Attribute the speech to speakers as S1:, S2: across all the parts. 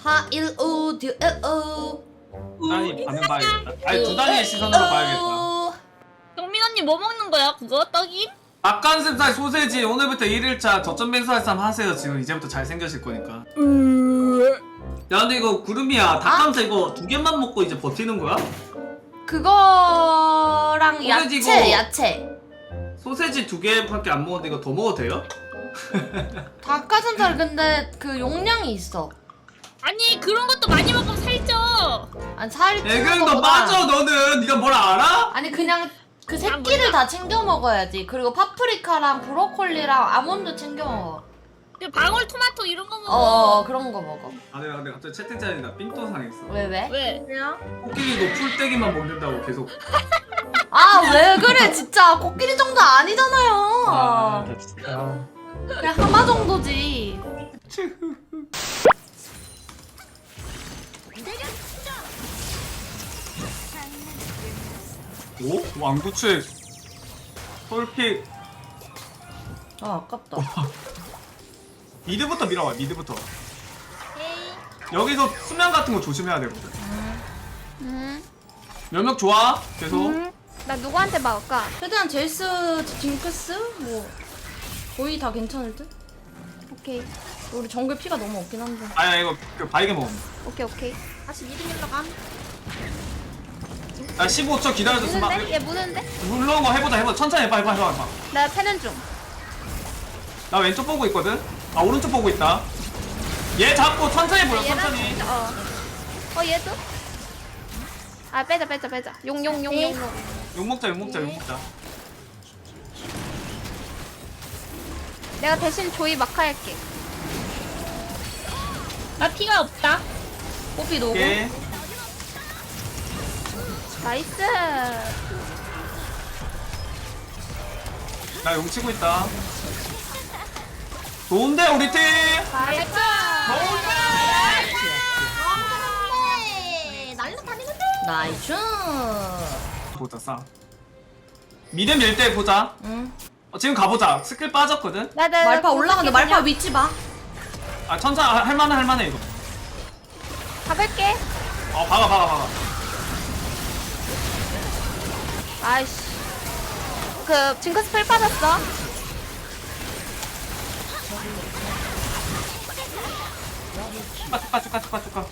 S1: 하일우 듀오
S2: 아니 반응 봐야겠다. 아니 두 단위의 시선으로 봐야겠다.
S3: 경민 언니 뭐 먹는 거야? 그거 떡임?
S2: 닭가슴살 소세지 오늘부터 1일차 저점 맹수할 하세요. 지금 이제부터 잘생겨질 거니까. 야 근데 이거 구름이야 닭가슴살 이거 두 개만 먹고 이제 버티는 거야?
S1: 그거랑
S2: 소세지
S1: 야채
S2: 이거-
S1: 야채
S2: 소세지 두 개밖에 안 먹었는데 이거 더 먹어도 돼요?
S1: 닭가슴살 근데 그 용량이 있어.
S3: 아니 그런 것도 많이 먹으면 살쪄.
S1: 아니 살이
S2: 애경
S1: 찌는
S2: 너
S1: 거보다-
S2: 빠져 너는. 네가 뭘 알아?
S1: 아니 그냥 그
S3: 난
S1: 새끼를
S3: 몰라.
S1: 다 챙겨 먹어야지. 그리고 파프리카랑 브로콜리랑 아몬드 챙겨 먹어.
S3: 그 방울토마토 이런 거 먹어.
S1: 그런 거 먹어.
S2: 아 내가 근데 갑자기 채팅창에 나 삔또 상했어.
S1: 왜 왜?
S3: 왜?
S2: 코끼리 너 풀떼기만 먹는다고 계속.
S1: 아 왜 그래 진짜 코끼리 정도 아니잖아요.
S2: 아 진짜.
S1: 그냥 하마 정도지.
S2: 오? 왕구추의 솔픽.
S1: 아 아깝다.
S2: 미드부터 밀어봐 미드부터. 여기서 수면 같은 거 조심해야 되거든. 면역 좋아 계속.
S4: 나 누구한테 막을까?
S1: 최대한 제이스, 징크스 뭐 거의 다 괜찮을 듯.
S4: 오케이
S1: 우리 정글 피가 너무 없긴 한데.
S2: 아야 이거 그 바이게 먹음.
S4: 오케이
S3: 다시 미드 밀러 감.
S2: 야 15초 기다려줬어.
S4: 무는데? 얘 무는데?
S2: 물러온 거 해보자 천천히 해봐.
S4: 나 패는 중.
S2: 나 왼쪽 보고 있거든. 아 오른쪽 보고 있다. 얘 잡고 천천히 보여 천천히.
S4: 얘도? 아 빼자 용
S2: 욕 먹자 욕 먹자.
S4: 내가 대신 조이 마카 할게.
S3: 나 피가 없다.
S1: 뽀삐 노고.
S2: 오케이.
S4: 나이스.
S2: 나 용 치고 있다. 좋은데 우리 팀.
S4: 나이스.
S2: 좋은데.
S1: 나이스.
S2: 보자 싸. 미드 밀 때 보자.
S1: 응.
S2: 지금 가보자. 스킬 빠졌거든.
S1: 말파 올라가는데 말파 위치 봐.
S2: 아 천천히 할만해 이거.
S4: 잡을게.
S2: 박아.
S4: 아이씨. 그 징크스 풀 빠졌어.
S2: 축가.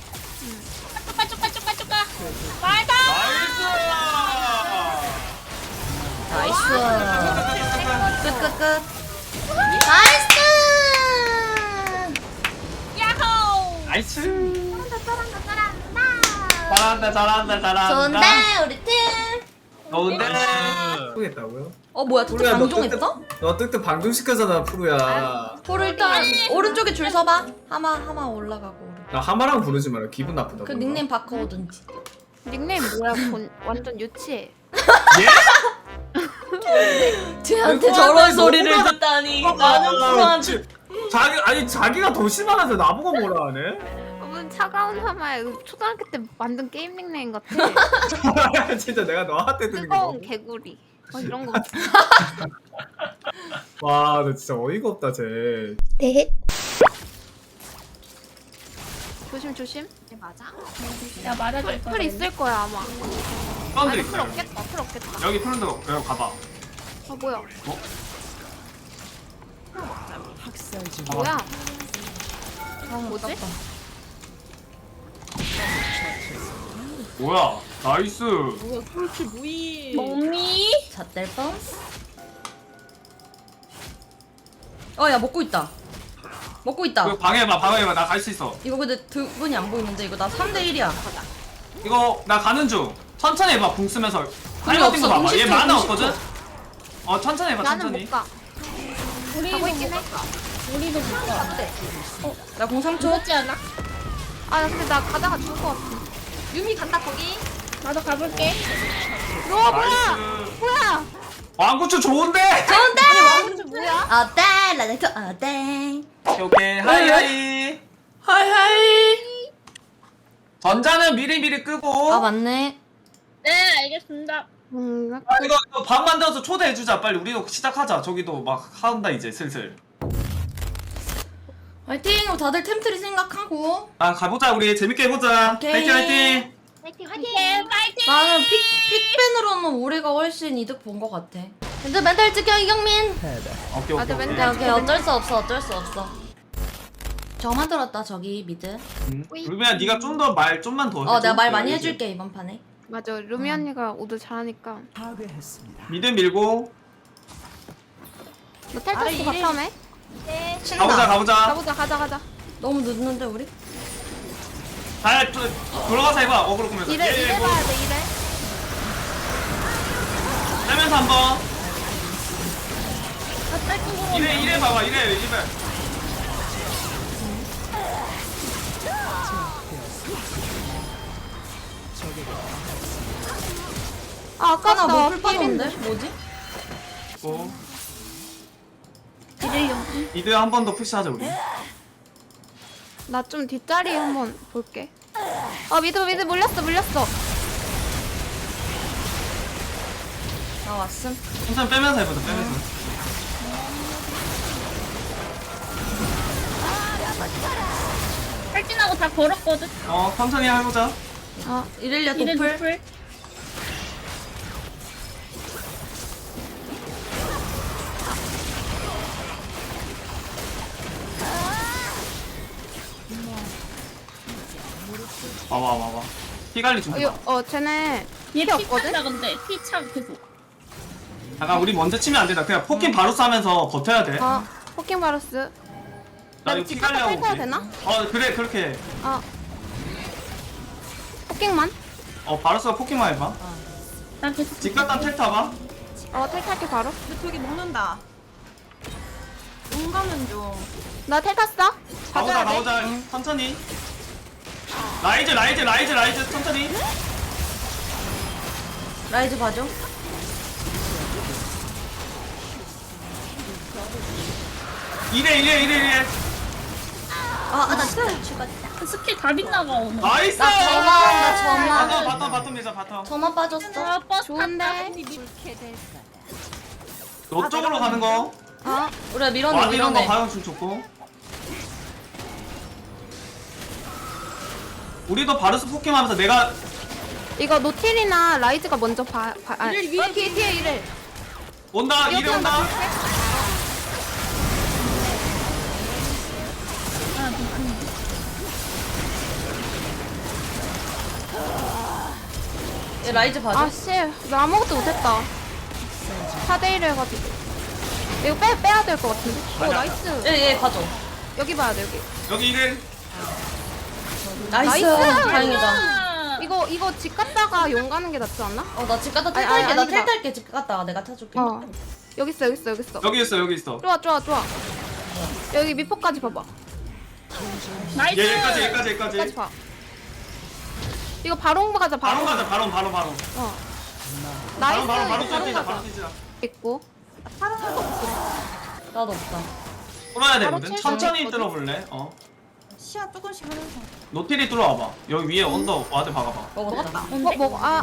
S3: 쪼까. 말다.
S2: 나이스.
S1: 나이스. 끝. 나이스.
S3: 야호.
S2: 나이스. 잘한다.
S1: 좋은데 우리 팀.
S2: 좋은데.
S5: 모르겠다고요?
S1: 뭐야 진짜
S5: 푸르야, 너
S1: 방종했어?
S5: 너 뜨뜻 방종시켰잖아 푸르야.
S1: 포를 일단 오른쪽에 줄 서봐. 하마 올라가고.
S5: 나 하마랑 부르지 마라. 기분 나쁘다.
S1: 그 닉네임 바꿔오든지.
S4: 닉네임 뭐야? 완전 유치해.
S1: 쟤한테
S5: 아이고,
S1: 저런
S5: 아이고,
S1: 소리를
S5: 너무나-
S1: 듣다니. 나는 프로한테.
S5: 자기가 더 심하면서 나보고 뭐라 하네?
S4: 무슨 차가운 하마야. 초등학교 때 만든 게임 닉네임 같아.
S5: 진짜 내가 너한테 듣는 게
S4: 뜨거운
S5: 너무.
S4: 개구리. 이런 거 같아.
S5: 와, 너 진짜 어이가 없다 쟤.
S4: 네. 조심.
S3: 네, 맞아. 야 맞아줄
S4: 풀 있을 거야 아마.
S2: 사람들
S4: 풀
S2: 있어요.
S4: 없겠다. 풀 없겠다.
S2: 여기 푸른데 여기 가봐.
S4: 뭐야?
S2: 어?
S4: 뭐야?
S1: 뭐지?
S2: 뭐야? 나이스.
S3: 몸이.
S1: 잣될 뻔. 야 먹고 있다.
S2: 이거 방해해봐. 나 갈 수 있어.
S1: 이거 근데 두 분이 안 보이는데 이거 나 3대 1이야.
S2: 이거 나 가는 중. 천천히 해봐. 궁 쓰면서.
S1: 궁이
S2: 같은 거
S1: 없어,
S2: 봐봐.
S1: 궁
S2: 얘
S1: 10초,
S2: 만화
S1: 궁
S2: 없거든. 천천히 해봐.
S4: 나는
S2: 천천히.
S4: 못 가. 가고 있긴 해.
S3: 우리도 못 가.
S1: 나 공 3초.
S3: 죽었지 않아?
S4: 아 근데 나 가다가 죽을 것 같아.
S1: 유미 간다 거기.
S3: 나도 가볼게.
S4: 뭐야?
S2: 나이스.
S4: 뭐야?
S2: 왕구추 좋은데?
S1: 좋은데?
S4: 왕자 뭐야?
S1: 어때? 라이트 어때?
S2: 오케이. 하이하이.
S1: 하이하이.
S2: 전자는 미리 끄고.
S1: 아 맞네.
S3: 네 알겠습니다.
S2: 이거 밥 만들어서 초대해주자. 빨리 우리도 시작하자. 저기도 막 한다 이제 슬슬.
S1: 화이팅! 다들 템트리 생각하고.
S2: 아 가보자 우리 재밌게 해보자.
S1: 오케이.
S2: 화이팅 화이팅.
S3: 파이팅!
S1: 나는 픽밴으로는 우리가 훨씬 이득 본 것 같아. 근데 멘탈 지켜 이경민.
S2: 오케이
S4: 맞아,
S2: 오케이.
S4: 맨날
S1: 오케이 어쩔 수 없어 어쩔 수 없어. 저만 들었다 저기 미드.
S2: 루비야 네가 좀 더 말 좀만 더.
S1: 내가 말
S2: 해줘.
S1: 많이 해줄게 이번 판에.
S4: 맞아 루미 언니가 오드 잘하니까.
S2: 미드 밀고
S4: 너 텔타스
S1: 이래.
S4: 바텀에?
S1: 친다.
S2: 가보자.
S4: 가보자 가자.
S1: 너무 늦는데 우리?
S2: 잘 돌아가서 해봐. 어그로 꾸면서.
S4: 이래 이래 봐야 돼 이래.
S2: 빼면서 한번. 이래 봐봐. 이래.
S4: 아
S1: 아까
S4: 아깝다.
S1: 나뭐풀 빠졌는데? 뭐지?
S2: 고.
S4: 이래 용.
S2: 미드 한 번 더 푸시하자 우리.
S4: 나 좀 뒷자리 한번 볼게. 미드 물렸어.
S1: 나 왔음.
S2: 천천히 빼면서 해보자. 빼면서.
S3: 탈진하고 다 걸었거든.
S2: 천천히 해보자.
S1: 이렐리아
S3: 이래
S1: 도플.
S3: 노플.
S2: 와봐. 피 관리 좀 해봐.
S4: 쟤네
S3: 얘
S4: 피 없거든?
S3: 피차다 근데 피차 계속.
S2: 잠깐 우리 먼저 치면 안 된다. 그냥 포킹 바로 쏴면서 버텨야 돼.
S4: 포킹 바루스.
S2: 나 이거
S4: 집
S2: 피
S4: 갔다
S2: 관리하고.
S4: 탈
S2: 올게.
S4: 타야 되나?
S2: 그래 그렇게 해.
S4: 포킹만?
S2: 바로스가 포킹만 해봐.
S3: 나 계속.
S2: 집 갔다 텔 타봐.
S4: 탈탈게 바로.
S6: 저기 먹는다. 용 가면 좀.
S4: 나 텔 탔어.
S2: 가보자. 천천히. 라이즈 천천히.
S1: 라이즈 봐줘.
S2: 이래.
S1: 나 죽었다.
S3: 그 스킬 다 빗나가 오늘.
S2: 나이스.
S1: 나 저만.
S2: 바텀 밀자 바텀.
S1: 저만 빠졌어.
S3: 버스
S4: 좋은데.
S2: 너 쪽으로 가는 거.
S1: 우리가
S2: 와드 이런 거
S1: 밀어내.
S2: 과연 좀 좋고. 우리도 바루스 포킹하면서 내가
S4: 이거 노틸이나 라이즈가 먼저 뒤에 이래.
S2: 온다. 이래 온다.
S1: 얘 라이즈 봐줘.
S4: 씨, 나 아무것도 못했다. 4대1을 해가지고. 이거 빼야 될 것 같은데? 나이스.
S1: 얘 봐줘.
S4: 여기 봐야 돼, 여기.
S2: 여기 이래.
S1: 나이스.
S4: 나이스.
S1: 다행이다.
S4: 이거 집 갔다가 용 가는 게 낫지 않나?
S1: 나 집 갔다
S4: 아니,
S1: 탈탈게. 나
S4: 아니다.
S1: 탈탈게. 집 갔다 내가 타줄게.
S4: 여기 있어.
S2: 여기 있어.
S4: 좋아. 여기 미포까지 봐봐.
S3: 나이스.
S2: 얘까지.
S4: 봐. 이거 바로 가자,
S2: 바로 가자. 바로.
S4: 나이스.
S2: 바로
S4: 바로
S2: 뛰자.
S4: 가자. 있고.
S1: 나도 없다.
S2: 뚫어야
S4: 바로
S2: 되거든.
S4: 칠
S2: 천천히
S4: 수
S2: 뚫어볼래?
S6: 시야 조금씩 하면서.
S2: 노틸이 뚫어와봐. 여기 위에 언더 와드 박아봐.
S1: 먹었다.
S4: 먹어.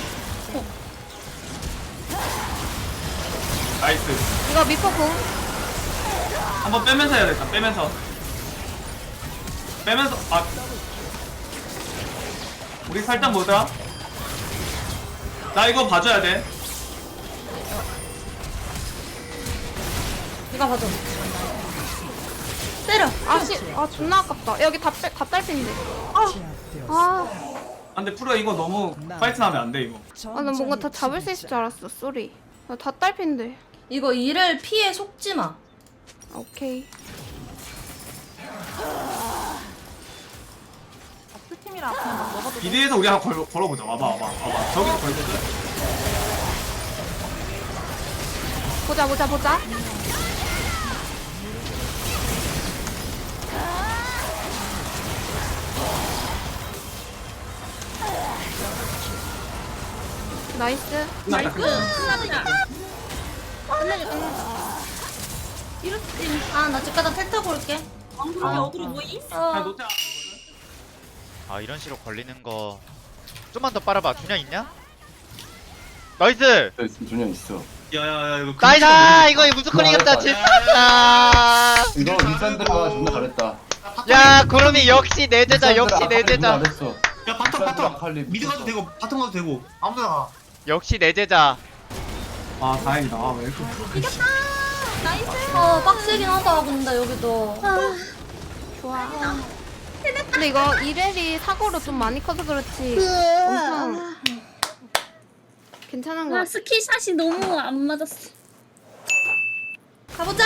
S2: 나이스.
S4: 이거 미포 공.
S2: 한번 빼면서 해야겠다. 빼면서. 우리 살짝 보자. 나 이거 봐줘야 돼.
S1: 이거 봐줘. 때려.
S4: 존나 아깝다. 여기 다 딸핀데.
S2: 근데 프로 이거 너무 파이트 나면 안 돼 이거.
S4: 나 뭔가 다 잡을 수 있을 줄 알았어. 쏘리. 다 딸핀데.
S1: 이거 이를 피해 속지 마.
S4: 오케이.
S6: 팀이라 그냥 막 먹어도.
S2: 비디에서 우리 한번 걸어보자. 와봐. 저기서 걸거든.
S4: 보자. 나이스.
S2: 끝났다.
S1: 나 집 갔다 탈 타고 올게.
S6: 안 그러게 어그로 뭐이?
S2: 그냥 노틸
S7: 이런 식으로 걸리는 거 좀만 더 빨아봐. 균형 있냐? 나이스!
S8: 있으면 준영 있어. 야야야 이거
S7: 나이다 이거 무조건 이겼다 진짜.
S9: 이거 윗산드가 존나 잘했다.
S7: 야 구름이 역시 내 제자 역시 내 제자
S9: 잘했어.
S8: 야 바텀 미드 가도 되고 바텀 가도 되고 아무데나 가.
S7: 역시 내 제자.
S2: 아 다행이다. 아, 왜 이렇게
S1: 빡세긴 하다 근데 여기도.
S4: 좋아. 근데 이거 이렐이 사고로 좀 많이 커서 그렇지. 엄청 괜찮은 거
S3: 아
S4: 같아.
S3: 스킬샷이 너무 안 맞았어.
S1: 가보자.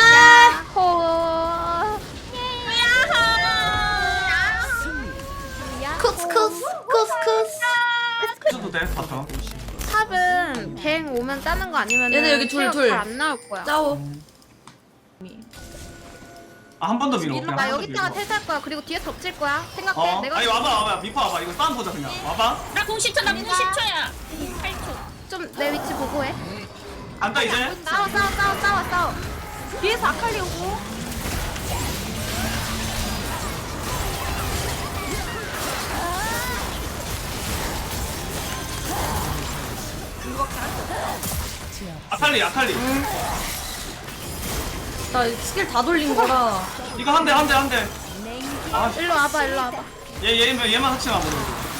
S4: 호.
S1: 쿠스쿠스 쿠스쿠스.
S2: 해줘도 돼 바텀.
S4: 탑은 뱅 오면 따는 거 아니면
S1: 얘네 여기 둘.
S4: 잘안 나올 거야.
S1: 짜오.
S2: 아 한 번 더 밀어.
S4: 나 여기다가 텔탈 거야. 그리고 뒤에 덮칠 거야. 생각해.
S2: 어?
S4: 내가
S2: 아니 와봐 미포 와봐. 이거 싸움 보자 그냥. 와봐.
S3: 나 90초 나 90초야. 8초.
S4: 좀 내 위치 보고 해.
S2: 간다 이제.
S4: 싸워.
S6: 뒤에서 아칼리 오고.
S2: 아칼리.
S1: 나 스킬 다 돌린 거라.
S2: 이거 한 대.
S4: 일로 와봐.
S2: 얘만 합치면 안 보여.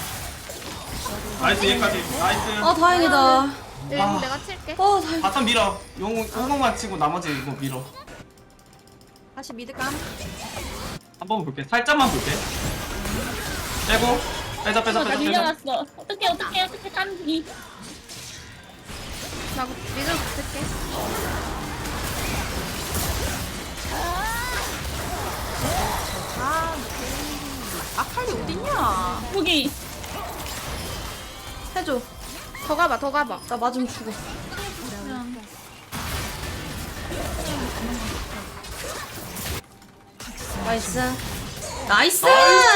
S2: 나이스 얘까지. 나이스.
S1: 아 다행이다.
S4: 응, 내가 칠게.
S1: 다행.
S2: 바텀 밀어. 호공만 치고 나머지 이거 밀어.
S6: 다시 미드 감.
S2: 한번 볼게. 살짝만 볼게. 빼고. 빼자.
S3: 나 밀려났어. 어떡해 깐기.
S4: 나 미들 붙을게.
S6: 아칼리 어딨냐?
S3: 여기.
S1: 해줘.
S4: 더 가봐.
S1: 나 맞으면 죽어. 나이스.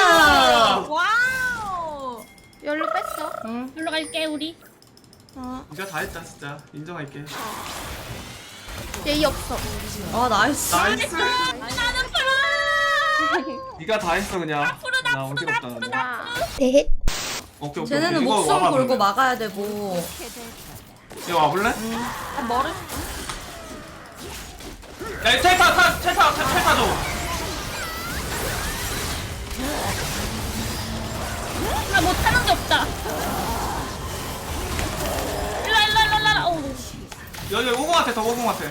S6: 와우.
S4: 열로 뺐어.
S1: 응.
S3: 놀러 갈게 우리.
S2: 네가 다 했다 진짜. 인정할게.
S4: 예의 없어.
S1: 아 나이스.
S2: 나이스.
S3: 나는
S2: 네가 다 했어 그냥. 나 어지럽다.
S4: 아,
S2: 오케이.
S1: 쟤네는
S2: 이거
S1: 목숨
S2: 와봐,
S1: 걸고
S2: 그러면.
S1: 막아야 되고.
S2: 이거 와볼래?
S6: 머리.
S2: 야, 이 텔타 줘.
S3: 나 못하는 게 없다. 일라. 어우.
S2: 여기 오공한테 더 오공한테.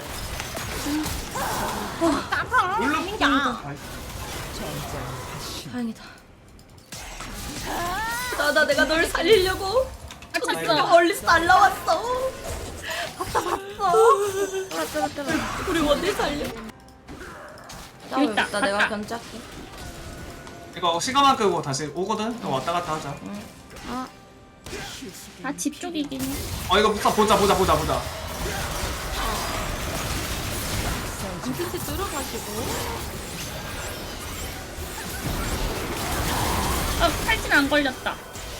S2: 물론
S1: 다행이다. 내가 널 살리려고.
S3: 다쳤어.
S1: 멀리서 날라왔어.
S4: 뚫어.
S1: 우리 원딜 살려.
S3: 여기 있다,
S1: 있다. 내가
S3: 갔다.
S1: 견제할게.
S2: 이거 시간만 끄고 다시 오거든. 그럼 왔다 갔다 하자.
S3: 집 쪽이긴 해.
S2: 이거 보자.
S6: 안티티 뚫어가지고.
S3: 탈진 안 걸렸다.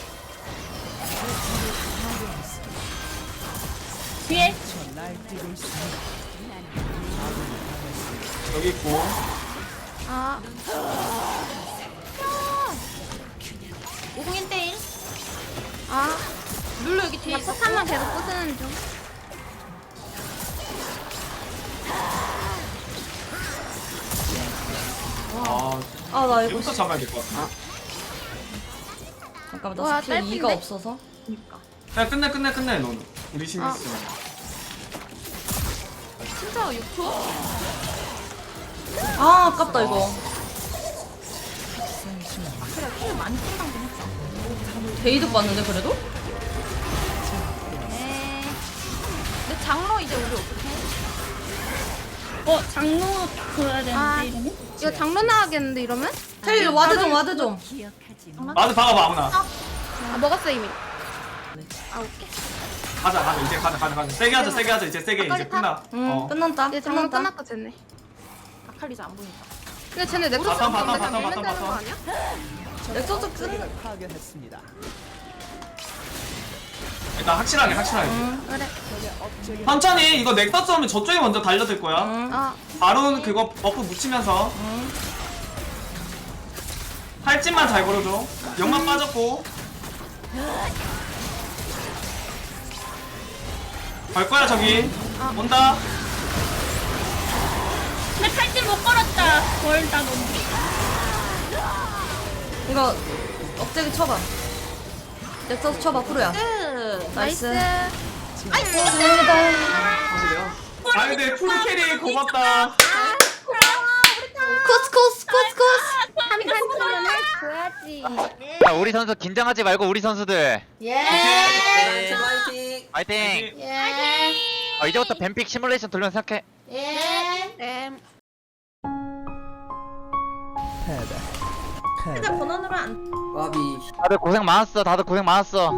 S3: 뒤에.
S2: 여기 있고.
S4: 아,
S6: 5001대1.
S4: 아.
S6: 룰루 여기 뒤에
S4: 나 포탄만 계속 부수는 중.
S1: 나 이거
S2: 이거부터 잡아야 될 것 같아.
S1: 잠깐만
S4: 와,
S1: 나 스킬
S4: 짧은데?
S1: 2가 없어서.
S2: 야 끝내 너는. 우리 신이
S4: 아.
S2: 있어.
S6: 진짜 6초?
S1: 아 아깝다 이거.
S6: 그래, 킬 많이 뚫어가긴 했어.
S1: 데이드 봤는데 그래도?
S6: 네. 근데 장로 이제 우리 어떡해?
S3: 장로 보여야
S4: 아.
S3: 되는데 이러면?
S4: 이거 장로 나가겠는데 이러면?
S1: 텔 와드 좀.
S2: 맞아 박아봐 아무나.
S4: 아, 먹었어 이미. 아, 오케이.
S2: 가자 이제 가자. 세게 하자 이제 세게 이제
S4: 아까리
S2: 끝나.
S1: 응 끝났다.
S4: 이제 장로 끝났다 쟤네.
S6: 아칼리즈 안 보인다.
S4: 근데 쟤네 넥서스
S2: 바텀, 바텀,
S4: 때문에
S2: 바텀,
S4: 밀면
S2: 바텀,
S4: 되는 거
S2: 바텀.
S4: 아니야?
S1: 넥서스 끝.
S2: 일단 확실하게.
S4: 그래.
S2: 천천히 이거 넥서스 오면 저쪽에 먼저 달려들 거야.
S4: 아,
S2: 바론 그거 버프 묻히면서. 팔찌만 잘 걸어줘. 영만 빠졌고. 갈 거야 저기. 온다.
S3: 근데 탈진 못 걸었다. 멀다 너무.
S1: 이거 억제기 쳐봐. 넥서스 쳐봐 프로야.
S4: 나이스.
S1: 감사합니다.
S2: 아 근데 풀캐리 고맙다.
S1: 코스.
S4: 한판 치면은 줘야지.
S7: 야 우리 선수 긴장하지 말고 우리 선수들
S1: 예.
S7: 파이팅.
S1: 예.
S7: 이제부터 뱀픽 시뮬레이션 돌면 생각해.
S1: 예.
S4: 네.
S7: 다들 고생 많았어. 다들 고생 많았어.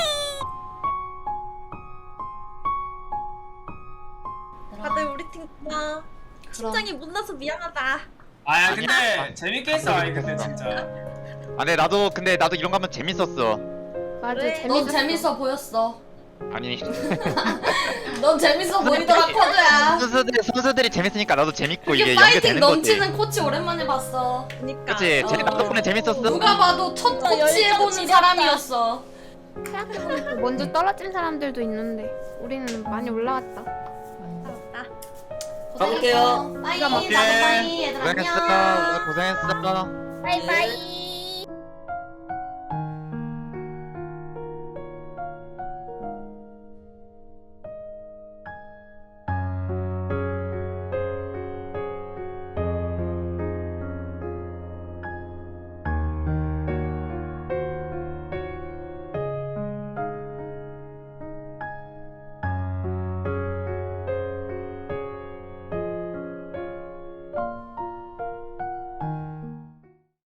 S1: 다들 우리 팀 고마워.
S6: 심장이 못 나서 미안하다.
S2: 아야 근데 재밌게 했어. 아니 근데 진짜.
S7: 근데 나도 이런 거 하면 재밌었어.
S4: 맞아.
S1: 넌 재밌어 보였어.
S7: 아니
S1: 넌 재밌어 보이더라 코드야.
S7: 선수들이 재밌으니까 나도 재밌고
S1: 이게
S7: 이게
S1: 파이팅
S7: 연결되는 거지.
S1: 넘치는 코치 오랜만에 봤어.
S7: 그치? 나도 덕분에 재밌었어.
S1: 누가 봐도 첫 코치 해보는 사람이었어.
S4: 생각해보니까 먼저 떨어진 사람들도 있는데 우리는 많이 올라갔다.
S1: 고생했어. 빠이. 나도 빠이. 얘들
S7: 고생했어.
S1: 안녕.
S7: 고생했어.
S4: 바이바이.